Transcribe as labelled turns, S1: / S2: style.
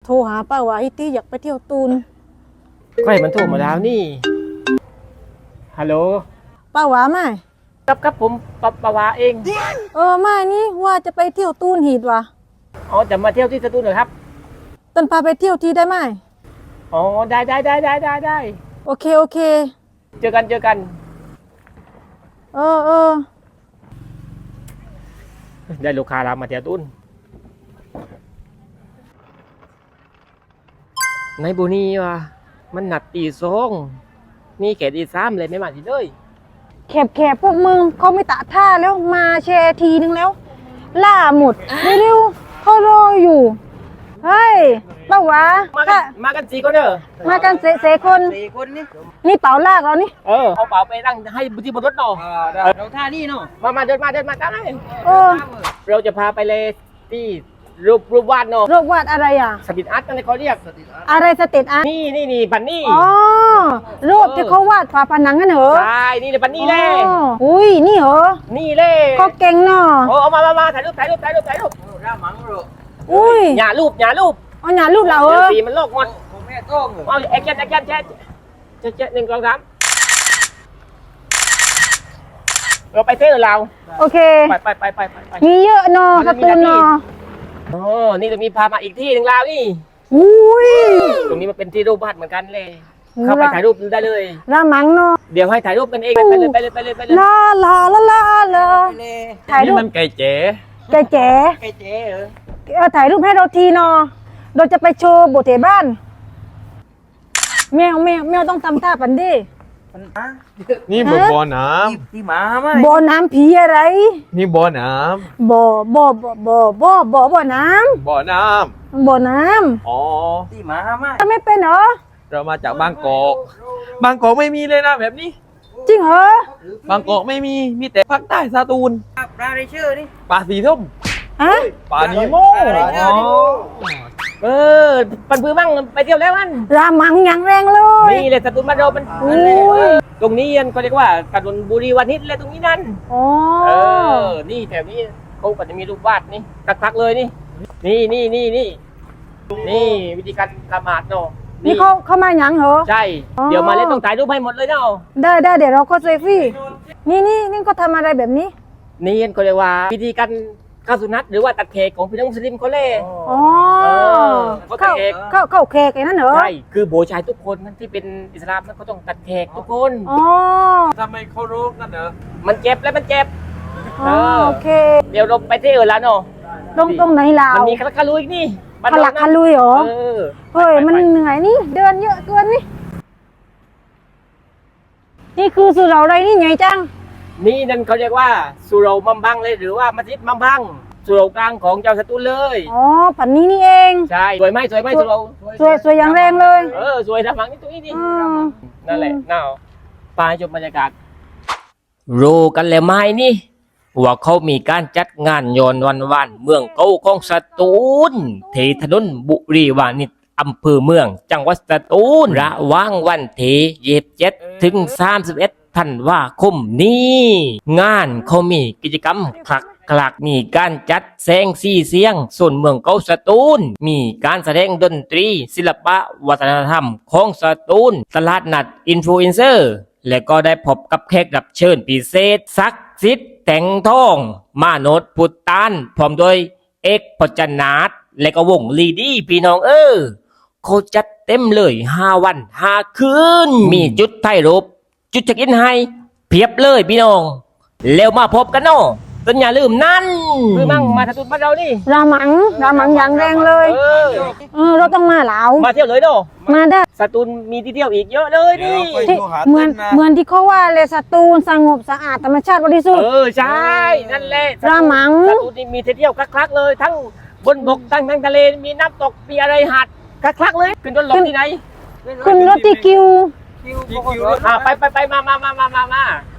S1: โทรหาป้าว่าฮิตี้อยากไปเที่ยวตูน
S2: ใครมันโทรมาแล้วนี่ฮัลโหล
S1: ป้าว่าไหม
S2: กับผมปะวาเอง
S1: ไม่นี่ว่าจะไปเที่ยวตูนหีดว่ะ
S2: อ๋อจะมาเที่ยวที่สตูลเหรอครับ
S1: ต้นพาไปเที่ยวที่ได้ไหม
S2: อ๋อได้
S1: โอเค
S2: เจอกัน
S1: เออ
S2: ได้ลูกค้าเรามาเที่ยวตูนในบุนีว่ะมันหนัดตีสองนี่แค่ตีสามเลยไม่มาทีเลย
S1: แคบพวกมึงเขาไม่ตะท่าแล้วมาแชร์ทีนึงแล้วล่าหมดเร็วๆเขารออยู่เฮ้ยป้าวะ
S2: มากัน4 คนเด้อ
S1: มากันเสคนนี่เป๋าลากเรานี่
S2: เอาเป๋าไปตั้งให้ที่บนรถเนาะ
S3: เราท่านี่เนาะ
S2: มาเดินมากันเลย
S1: อ
S2: เราจะพาไปเลยที่รูปวาดเนาะ
S1: รูปวาดอะไรอ่ะ
S2: สตรีทอาร์ตนั่นเขาเรียก
S1: อะไรสตรีทอาร์ต
S2: นี่ปันนี่
S1: รูปที่เขาวาดฝาผนังกันเหรอ
S2: ใช่นี่เลยปันนี่เลย
S1: อุ้ยนี่เหรอ
S2: นี่เลย
S1: ก็เก่งเนาะ
S2: เอามาถ่ายรูป
S3: ร่ามังโร
S1: อุ้ย
S2: อย่ารูป
S1: อ๋อหน้ารูปเรา
S2: สีมันโลกหมด
S3: ผมแม่ต้อง
S2: เอาแอคชั่นแชท1 2 3เราไปเที่ยวเรา
S1: โอเค
S2: ไป
S1: มีเยอะเนาะการ์ตูนเนาะ
S2: นี่จะมีพามาอีกที่หนึ่งเรานี่
S1: อุ้ย
S2: ตรงนี้มันเป็นที่รูปวาดเหมือนกันเลยเข้าไปถ่ายรูปได้เลย
S1: ร่ามังเนาะ
S2: เดี๋ยวให้ถ่ายรูปกันเองไปเลย
S1: ลาถ่ายรูป
S2: มันไก่เจ๋
S1: ถ่ายรูปให้เราทีเนาะเราจะไปโชว์โบเทบ้านแมวต้องทำท่าปันดิ
S4: นี่บ่อน้
S3: ำที่หมาไหม
S1: บ่อน้ำผีอะไร
S4: นี่บ่อน้
S1: ำบ่อน้ำ
S4: บ่อ
S1: น้
S4: ำอ๋อ
S3: ที่หมาไหม
S1: ไม่เป็นเหรอ
S4: เรามาจากบางกอกไม่มีเลยนะแบบนี้
S1: จริงเหร
S4: อบางกอกไม่มีแต่ภาคใต้สตูล
S3: ปลาในชื่อนี่
S4: ปลาสีส้มปลานีโม
S2: ปันพื้นมั่งไปเที่ยวแล้วมัน
S1: รามังอย่างแรงเลย
S2: นี่เลยสตูลบ้านเรามันตรงนี้เขาเรียกว่าถนนบุรีวานิชเลยตรงนี้นั่นนี่แถวนี้เขาก็จะมีรูปวาดนี่คักเลยนี่วิธีการละหมาดเนาะ
S1: นี่เขามาอย่างเหรอ
S2: ใช่เดี๋ยวมาเล่นต้องถ่ายรูปให้หมดเลยเนาะ
S1: ได้เดี๋ยวเราก็เซฟี่นี่ก็ทำอะไรแบบนี้
S2: นี่เขาเรียกว่าวิธีการข้าวสุนัตหรือว่าตัดเค้กของพี่น้องมุสลิมเขาเล่
S1: เข้าเค้กไอ้นั่นเหรอ
S2: ใช่คือโบชายทุกคนที่เป็นอิสลามเขาต้องตัดเค้กทุกคน
S4: ทำไมเขารู้กันเหรอ
S2: มันเจ็บ
S1: โอเค
S2: เดี๋ยวเราไปที่อื่นแล้วเนาะ
S1: ตรงไหนลาว
S2: มันมีคาลุยนี่
S1: คาลุยเหรอเฮ้ยมันเหนื่อยนี่เดินเยอะเกินนี่คือสุเหร่าอะไรนี่ใหญ่จัง
S2: นี่นั่นเขาเรียกว่าสุเหร่ามัมบังเลยหรือว่ามัสยิดมัมบังสุเหร่ากลางของเจ้าสตูลเลย
S1: ปันนี้นี่เอง
S2: ใช่สวยไหมสุเหร่า
S1: สวยอย่างแรงเลย
S2: สวยทำหลังนี่ตรงนี้ดินั่นแหละน่าไปชมบรรยากาศรู้กันแล้วไหมนี่ว่าเขามีการจัดงานย้อนวันเมืองเก่าของสตูลที่ถนนบุรีวานิชอำเภอเมืองจังหวัดสตูลระหว่างวันที่27 ถึง 31 ธันวาคมนี้งานเขามีกิจกรรมคลักมีการจัดแสงสีเสียงส่วนเมืองเก่าสตูลมีการแสดงดนตรีศิลปะวัฒนธรรมของสตูลตลาดนัดอินฟลูเอนเซอร์และก็ได้พบกับแขกรับเชิญพิเศษศักดิ์สิทธิ์แต่งทองมาโนดพุตตานพร้อมโดยเอกพจนาถและก็วงลีดี้พี่น้องเขาจัดเต็มเลย5 วัน 5 คืนมีจุดถ่ายรูปจุดเช็คอินให้เพียบเลยพี่น้องแล้วมาพบกันเนาะต้นอย่าลืมนั่นคือมั่งมาสตูลบ้านเรานี่
S1: รามังอย่างแรงเลยเราต้องมาเหลา
S2: มาเที่ยวเลยเนาะ
S1: มาได้
S2: สตูลมีที่เที่ยวอีกเยอะเลยนี่
S1: เหมือนที่เขาว่าเลยสตูลสงบสะอาดธรรมชาติบริสุทธิ์
S2: ใช่นั่นแหละ
S1: รามัง
S2: สตูลมีที่เที่ยวคลักๆเลยทั้งบนบกทั้งทะเลมีน้ำตกมีอะไรหาดคลักๆเลยขึ้นรถลงที่ไหน
S1: ขึ้นรถที่คิว
S2: ไปมา